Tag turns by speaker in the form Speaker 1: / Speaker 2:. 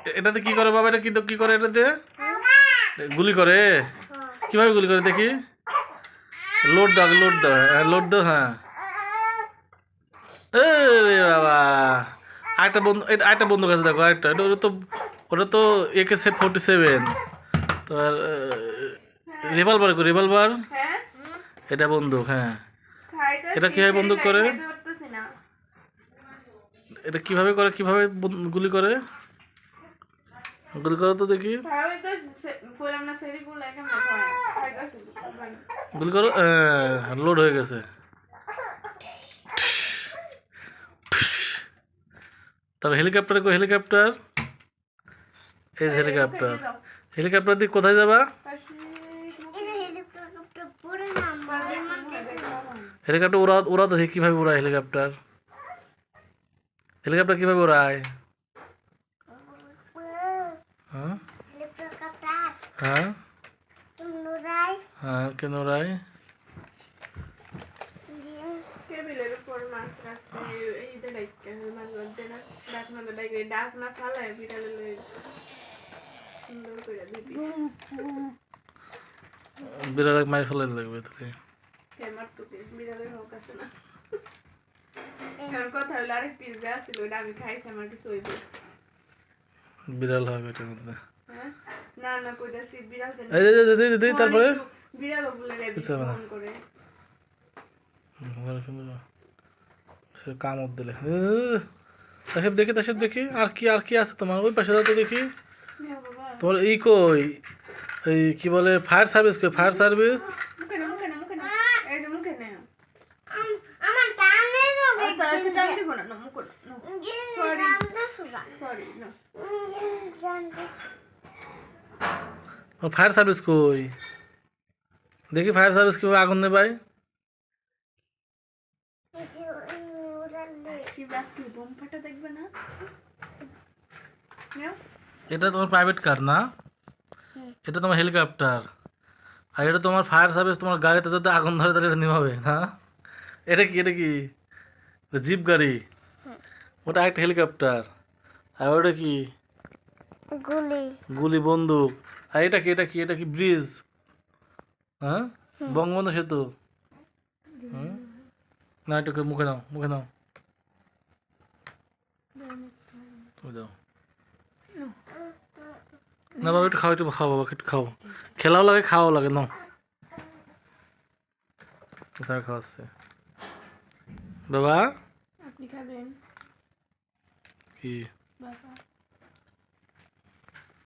Speaker 1: এটাতে কি করে বাবা? এটা কিন্তু কি করে? এটাতে গুলি করে? কিভাবে গুলি করে দেখি? লোড দাও, লোড দাও, হ্যাঁ লোড দাও, হ্যাঁ। রে বাবা, আরেকটা বন্ধু, আরেকটা বন্দুক আছে দেখো, আরেকটা। ওটা তো AK-47। তো আর রিভলভার, রিভলভার এটা বন্দুক, হ্যাঁ। এটা কিভাবে বন্দুক করে? এটা কিভাবে করে? কিভাবে গুলি করে? গুলি করো তো দেখি। গুলি করো, লোড হয়ে গেছে। তবে হেলিকপ্টার কো? হেলিকপ্টার এই যে হেলিকপ্টার। হেলিকপ্টার দিয়ে কোথায় যাবা? হেলিকপ্টার ওরা তো কিভাবে উড়ায়? হেলিকপ্টার হেলিকপ্টার কিভাবে উড়ায়? হ্যাঁ হ্যাঁ হ্যাঁ, কেন উড়ায়? বিড়াল মাই ফেলে লাগবে তোকে। বিড়াল হবে এটার মধ্যে। তারপরে কামড় দিলে তাসব দেখি, তাসব দেখি। আর কি আর কি আছে তোমার? ওই পাশে তো দেখি তোমার ই কই, এই কি বলে, ফায়ার সার্ভিস কই? ফায়ার সার্ভিস ফায়ার সার্ভিস কই? দেখি ফায়ার সার্ভিস কিভাবে আগুন নেবাই। এটা তোমার প্রাইভেট কার না, এটা তোমার হেলিকপ্টার। আর এটা তোমার ফায়ার সার্ভিস। তোমার গাড়িতে যদি আগুন ধরে তাহলে এটা নিভাবে না। এটা কি? এটা কি জিপ গাড়ি? ওটা একটা হেলিকপ্টার। আর ওটা কি? গুলি, গুলি বন্দুক। আর এটা কি? এটা কি? এটা কি ব্রিজ? হ্যাঁ, বঙ্গবন্ধু সেতু। না, এটাকে মুখে নাও, মুখে নাও, দাও না বাবা, একটু খাও, একটু খাও বাবা, একটু খাও। খেলাও লাগে, খাওয়াও লাগে, নাও। স্যার খাওয়াচ্ছে বাবা। আপনি খাবেন কি বাবা?